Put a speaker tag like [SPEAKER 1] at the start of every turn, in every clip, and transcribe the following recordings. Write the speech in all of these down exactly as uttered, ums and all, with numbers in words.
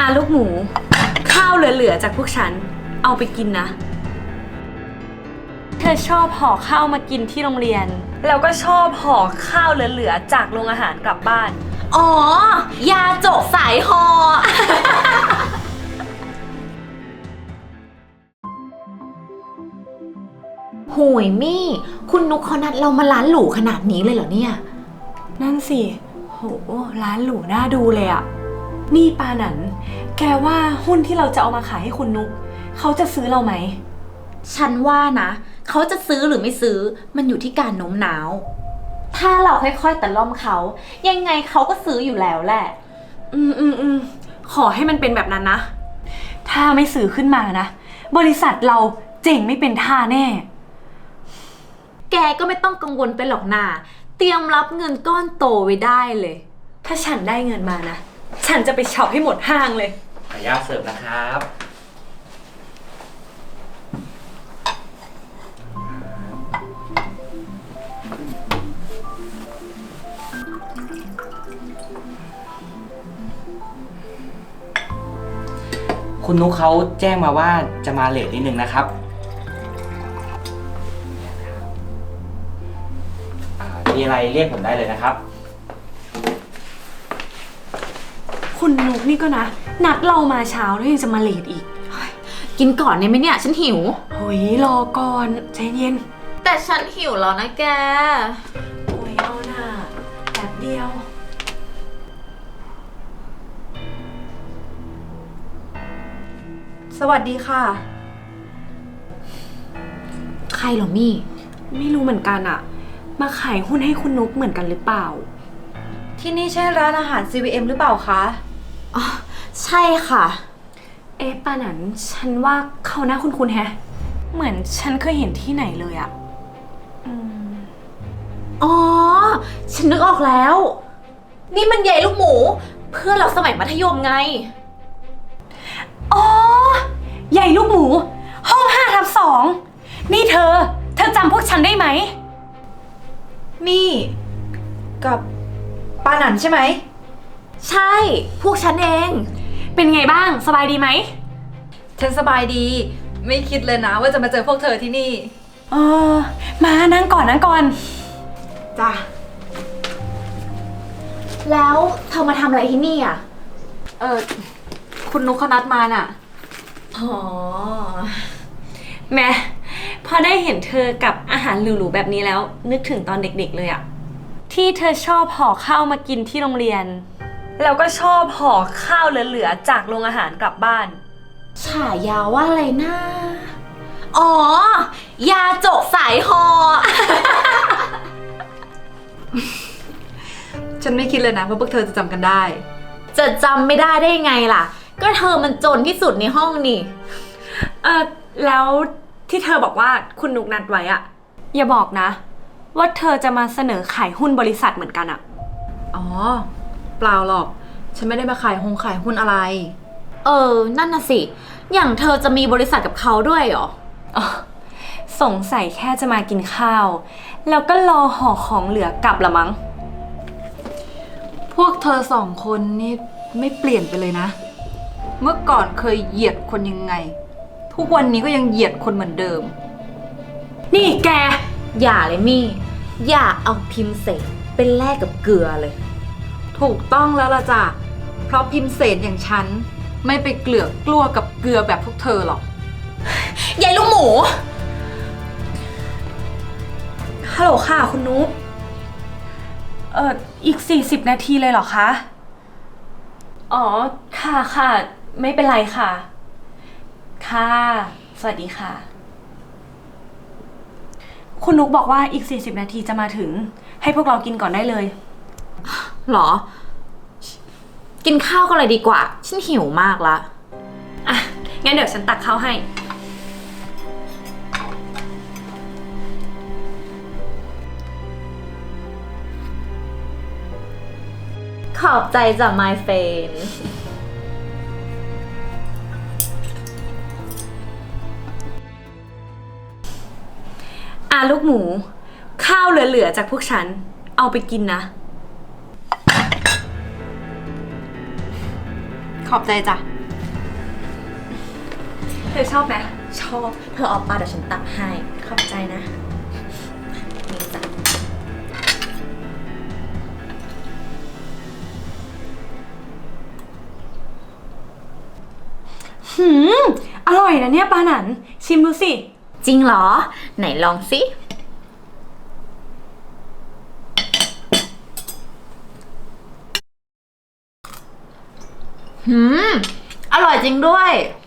[SPEAKER 1] ลูกหมูข้าวเหลือๆจากพวกฉันเอาไปกินนะเธอชอบห่อข้าวมากินที่โรงเรียนแล้วก็ชอบห่อข้าวเหลือๆจากโรงอาหารกลับบ้าน
[SPEAKER 2] อ๋อยาจกสายหอ โหยมี่คุณนุกเขานัดเรามาร้านหรูขนาดนี้เลยเหรอเนี่ย
[SPEAKER 1] นั่นสิโหร้านหรูน่าดูเลยอะนี่ปาหนันแกว่าหุ้นที่เราจะเอามาขายให้คุณนุกเขาจะซื้อเราไหม
[SPEAKER 2] ฉันว่านะเขาจะซื้อหรือไม่ซื้อมันอยู่ที่การโน้มน้าวถ้าเราค่อยๆแต่ล่อมเขายังไงเขาก็ซื้ออยู่แล้วแหละ
[SPEAKER 1] อืมอืมอืมขอให้มันเป็นแบบนั้นนะถ้าไม่ซื้อขึ้นมานะบริษัทเราเจ๋งไม่เป็นท่าแน่
[SPEAKER 2] แกก็ไม่ต้องกังวลไปหรอกนาเตรียมรับเงินก้อนโตไว้ได้เลย
[SPEAKER 1] ถ้าฉันได้เงินมานะฉันจะไปช็อปให้หมดห้างเลย
[SPEAKER 3] ขออนุญาตเสิร์ฟนะครับคุณนุ๊กเขาแจ้งมาว่าจะมาเลทนิดนึงนะครับมีอะไรเรียกผมได้เลยนะครับ
[SPEAKER 1] คุณนุกนี่ก็นะนัดเรามาเช้าแล้วยังจะมาเลทอีก
[SPEAKER 2] กินก่อนเนี่ยไหมเนี่ยฉันหิว
[SPEAKER 1] โอ้ยรอก่อนใจเย็น
[SPEAKER 2] แต่ฉันหิวแล้วนะแก
[SPEAKER 1] โอ้ยเอาหน่าแป๊บเดียวสวัสดีค่ะ
[SPEAKER 2] ใครเหรอมี่
[SPEAKER 1] ไม่รู้เหมือนกันอะมาขายหุ้นให้คุณนุกเหมือนกันหรือเปล่า
[SPEAKER 4] ที่นี่ใช่ร้านอาหาร ซี วี เอ็ม หรือเปล่าคะ
[SPEAKER 2] อ๋อใช่ค่ะ
[SPEAKER 1] เอ๊ะป้าหนันฉันว่าเขาหน้าคุ้นๆแฮะเหมือนฉันเคยเห็นที่ไหนเลยอะอืม
[SPEAKER 2] อ๋อฉันนึกออกแล้วนี่มันใหญ่ลูกหมูเพื่อนเราสมัยมัธยมไง
[SPEAKER 1] อ๋อใหญ่ลูกหมูห้องห้าทับสองนี่เธอเธอจำพวกฉันได้ไหม
[SPEAKER 4] มี่กับปาหนันใช่ไหม
[SPEAKER 2] ใช่พวกฉันเอง
[SPEAKER 1] เป็นไงบ้างสบายดีไหม
[SPEAKER 4] ฉันสบายดีไม่คิดเลยนะว่าจะมาเจอพวกเธอที่นี่
[SPEAKER 1] เออมานั่งก่อนนั่งก่อน
[SPEAKER 4] จ้ะ
[SPEAKER 2] แล้วเธอมาทำอะไรที่นี่อ่ะ
[SPEAKER 4] เออคุณนุ๊กเขานัดมาน่ะ
[SPEAKER 1] อ๋อแม่พอได้เห็นเธอกับอาหารหรูๆแบบนี้แล้วนึกถึงตอนเด็กๆเลยอะที่เธอชอบห่อข้าวมากินที่โรงเรียนแล้วก็ชอบห่อข้าวเหลือๆจากโรงอาหารกลับบ้าน
[SPEAKER 2] ฉายาว่าอะไรนะอ๋อยาจกสายหอ
[SPEAKER 4] ฉันไม่คิดเลยนะว่าพวกเธอจะจำกันได้
[SPEAKER 2] จะจำไม่ได้ได้ยังไงล่ะก็เธอมันจนที่สุดในห้องนี่
[SPEAKER 1] เออแล้วที่เธอบอกว่าคุณนุกนัดไว้อะอย่าบอกนะว่าเธอจะมาเสนอขายหุ้นบริษัทเหมือนกันอะ
[SPEAKER 4] อ๋อเปล่าหรอกฉันไม่ได้มาขายหงขายหุ้นอะไร
[SPEAKER 2] เออนั่นน่ะสิอย่างเธอจะมีบริษัทกับเขาด้วยเหรอ
[SPEAKER 1] อ๋อสงสัยแค่จะมากินข้าวแล้วก็รอห่อของเหลือกลับละมั้ง
[SPEAKER 4] พวกเธอสองคนนี่ไม่เปลี่ยนไปเลยนะเมื่อก่อนเคยเหยียดคนยังไงทุกวันนี้ก็ยังเหยียดคนเหมือนเดิม
[SPEAKER 1] นี่แก
[SPEAKER 2] อย่าเลยมี่อย่าเอาพิมพ์เศษเป็นแลกกับเกลือเลย
[SPEAKER 4] ถูกต้องแล้วล่ะจ้ะเพราะพิมพ์เศษอย่างฉันไม่ไปเกลือกกลัวกับเกลือแบบพวกเธอหรอก
[SPEAKER 2] ยายลูกหมู
[SPEAKER 1] ฮัลโหลค่ะคุณนุ๊กเอ่ออีกสี่สิบนาทีเลยเหรอคะอ๋อค่ะค่ะไม่เป็นไรค่ะค่ะสวัสดีค่ะคุณนุ๊กบอกว่าอีกสี่สิบนาทีจะมาถึงให้พวกเรากินก่อนได้เลย
[SPEAKER 2] หรอกินข้าวก็เลยดีกว่าฉันหิวมากละ
[SPEAKER 1] อ่ะงั้นเดี๋ยวฉันตักข้าวให้
[SPEAKER 2] ขอบใจจ้ะ my friend
[SPEAKER 1] อ่ะลูกหมูข้าวเหลือๆจากพวกฉันเอาไปกินนะ
[SPEAKER 4] ขอบใจจ้ะ
[SPEAKER 1] เธอชอบไหม
[SPEAKER 2] ชอบ เธอเอาปลาเดี๋ยวฉันตักให้
[SPEAKER 1] ขอบใจนะ
[SPEAKER 2] นี่จ้ะ
[SPEAKER 1] หืม อร่อยนะเนี่ยปลาหนัน ชิมดูสิ
[SPEAKER 2] จริงเหรอ ไหนลองสิ หืม อร่อยจริงด้วย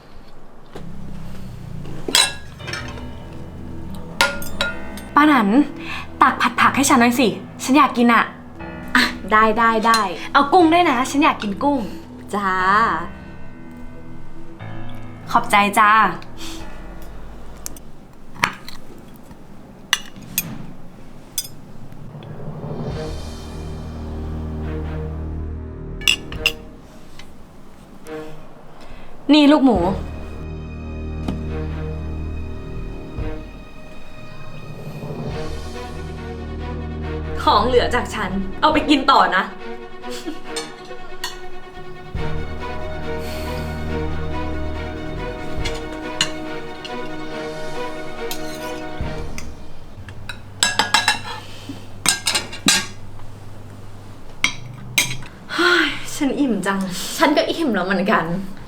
[SPEAKER 1] ปลาหนัน ตักผัดผักให้ฉันหน่อยสิ ฉันอยากกินอะ
[SPEAKER 2] อ่ะ ได้ได้ได้
[SPEAKER 1] เอากุ้งด้วยนะ ฉันอยากกินกุ้ง
[SPEAKER 2] จ้า
[SPEAKER 1] ขอบใจจ้า นี่ลูกหมู ของเหลือจากฉัน เอาไปกินต่อนะ ฉันอิ่มจัง
[SPEAKER 2] ฉันก็อิ่มแล้วเหมือนกัน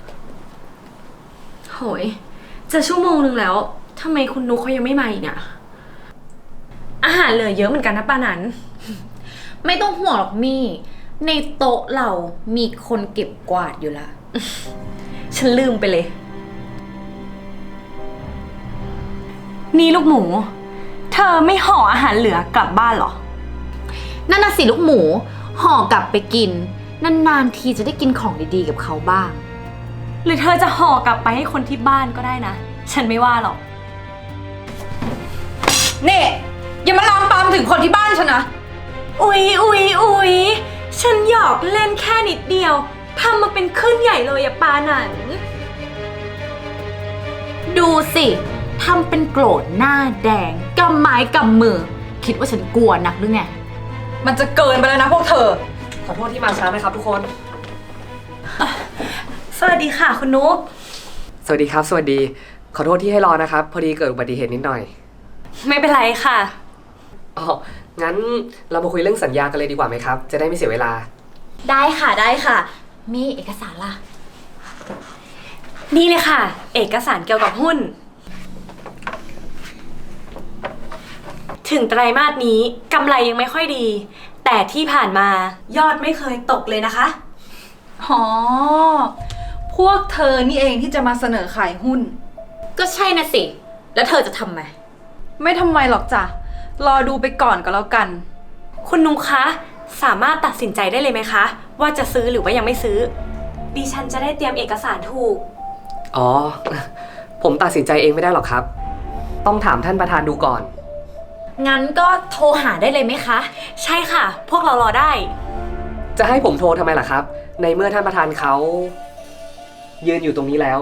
[SPEAKER 1] โหย จะชั่วโมงนึงแล้ว ทำไมคุณนุกเขายังไม่มาอีกอะอาหารเหลือเยอะเหมือนกันนะป้านัน
[SPEAKER 2] ไม่ต้องห่วงหรอกมี่ ในโต๊ะเรามีคนเก็บกวาดอยู่ละ
[SPEAKER 1] ฉันลืมไปเลย นี่ลูกหมู เธอไม่ห่ออาหารเหลือกลับบ้านเหรอ
[SPEAKER 2] นั่นน่ะสิลูกหมู ห่อกลับไปกิน นานๆทีจะได้กินของดีๆกับเขาบ้าง
[SPEAKER 1] หรือเธอจะห่อกลับไปให้คนที่บ้านก็ได้นะ ฉันไม่ว่าหรอก
[SPEAKER 4] นี่อย่ามาลามปามถึงคนที่บ้านฉันนะ
[SPEAKER 1] อุ๊ยอุ๊ยอุ๊ยฉันหยอกเล่นแค่นิดเดียว ทำมาเป็นขึ้นใหญ่เลยอะปาหนัน
[SPEAKER 2] ดูสิทำเป็นโกรธหน้าแดงกำไม้กำมือ คิดว่าฉันกลัวนักหรือไง
[SPEAKER 4] มันจะเกินไปแล้วนะพวกเธอ
[SPEAKER 3] ขอโทษที่มาช้านะครับทุกคน
[SPEAKER 1] สวัสดีค่ะคุณนุ๊ก
[SPEAKER 3] สวัสดีครับ สวัสดี ขอโทษที่ให้รอนะครับ พอดีเกิดอุบัติเหตุนิดหน่อย
[SPEAKER 1] ไม่เป็นไรค่ะ
[SPEAKER 3] อ๋อ งั้นเรามาคุยเรื่องสัญญากันเลยดีกว่าไหมครับ จะได้ไม่เสียเวลา
[SPEAKER 2] ได้ค่ะได้ค่ะ มีเอกสารล่ะ
[SPEAKER 1] นี่เลยค่ะ เอกสารเกี่ยวกับหุ้น ถึงไตรมาสนี้กำไรยังไม่ค่อยดี แต่ที่ผ่านมายอดไม่เคยตกเลยนะคะ
[SPEAKER 4] อ๋อ พวกเธอนี่เองที่จะมาเสนอขายหุ้น
[SPEAKER 2] ก็ใช่นะสิ แล้วเธอจะทำไหม
[SPEAKER 4] ไม่ทำไมหรอกจ้ะ รอดูไปก่อนก็แล้วกัน
[SPEAKER 1] คุณนุ๊กคะ สามารถตัดสินใจได้เลยไหมคะ ว่าจะซื้อหรือว่ายังไม่ซื้อ ดิฉันจะได้เตรียมเอกสารถูก
[SPEAKER 3] อ๋อ ผมตัดสินใจเองไม่ได้หรอกครับ ต้องถามท่านประธานดูก่อน
[SPEAKER 2] งั้นก็โทรหาได้เลยไหมคะ
[SPEAKER 1] ใช่ค่ะ พวกเรารอได้
[SPEAKER 3] จะให้ผมโทรทำไมล่ะครับ ในเมื่อท่านประธานเขายืนอยู่ตรงนี้แล้ว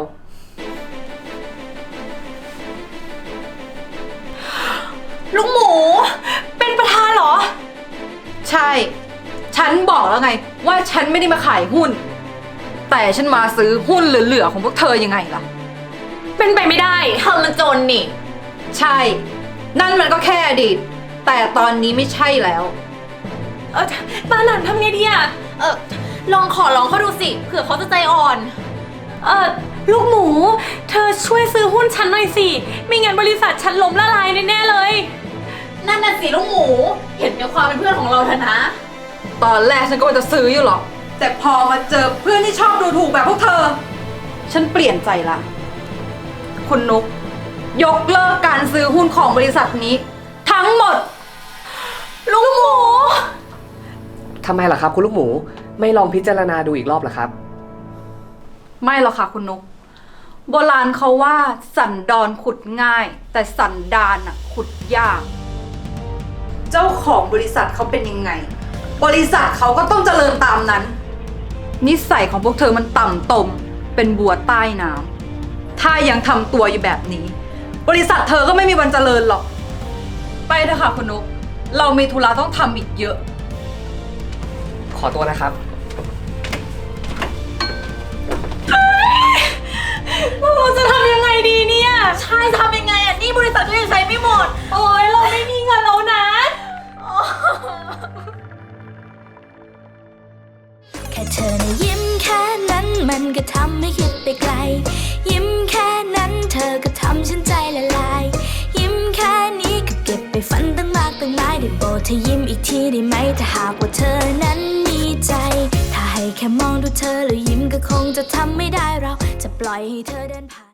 [SPEAKER 1] ลุงหมู เป็นประธานเหรอ
[SPEAKER 4] ใช่ ฉันบอกแล้วไง ว่าฉันไม่ได้มาขายหุ้น แต่ฉันมาซื้อหุ้นเหลือๆของพวกเธอยังไงล่ะ
[SPEAKER 1] เป็นไปไม่ได้
[SPEAKER 2] เธอมันจนนี่
[SPEAKER 4] ใช่ นั่นมันก็แค่อดีต แต่ตอนนี้ไม่ใช่แล้ว
[SPEAKER 1] เออปาหนันทำไงดีอะ
[SPEAKER 2] เออลองขอร้องเขาดูสิ เผื่อเขาจะใจอ่อน
[SPEAKER 1] เออลูกหมู เธอช่วยซื้อหุ้นฉันหน่อยสิ ไม่งั้นบริษัทฉันล้มละลายแน่ๆเลย
[SPEAKER 2] นั่นน่ะสิลูกหมู เห็นกับความเป็นเพื่อนของเราเถอะนะ
[SPEAKER 4] ตอนแรกฉันก็ว่าจะซื้ออยู่หรอก แต่พอมาเจอเพื่อนที่ชอบดูถูกแบบพวกเธอ ฉันเปลี่ยนใจละ คุณนุก ยกเลิกการซื้อหุ้นของบริษัทนี้ ทั้งหมด
[SPEAKER 1] ลูกหมู
[SPEAKER 3] ทำไมล่ะครับคุณลูกหมู ไม่ลองพิจารณาดูอีกรอบล่ะครับ
[SPEAKER 4] ไม่หรอกค่ะคุณนุก โบราณเขาว่าสันดอนขุดง่าย แต่สันดานน่ะขุดยาก เจ้าของบริษัทเขาเป็นยังไง บริษัทเขาก็ต้องเจริญตามนั้น นิสัยของพวกเธอมันต่ำตม เป็นบัวใต้น้ำถ้ายังทำตัวอยู่แบบนี้ บริษัทเธอก็ไม่มีวันเจริญหรอก ไปเถอะค่ะคุณนุก เรามีธุระต้องทำอีกเยอะ
[SPEAKER 3] ขอตัวนะครับ
[SPEAKER 1] เราจะทำยังไง
[SPEAKER 2] ใช่ทำยังไงอ่ะนี่บริษัทก็ยังใช้ไม่หมด
[SPEAKER 1] โอ้ยเราไม่มีเงินแล้วนะ
[SPEAKER 5] แค่เธอนะยิ้มแค่นั้นมันก็ทำให้คิดไปไกล ยิ้มแค่นั้นเธอก็ทำฉันใจละลาย ยิ้มแค่นี้ก็เก็บไปฝันตั้งมากตั้งหลายได้โปรดเธอยิ้มอีกทีได้ไหมถ้าหากว่าเธอนั้นมีใจ ถ้าให้แค่มองดูเธอแล้วยิ้มก็คงจะทำไม่ได้เราจะปล่อยให้เธอเดินผ่าน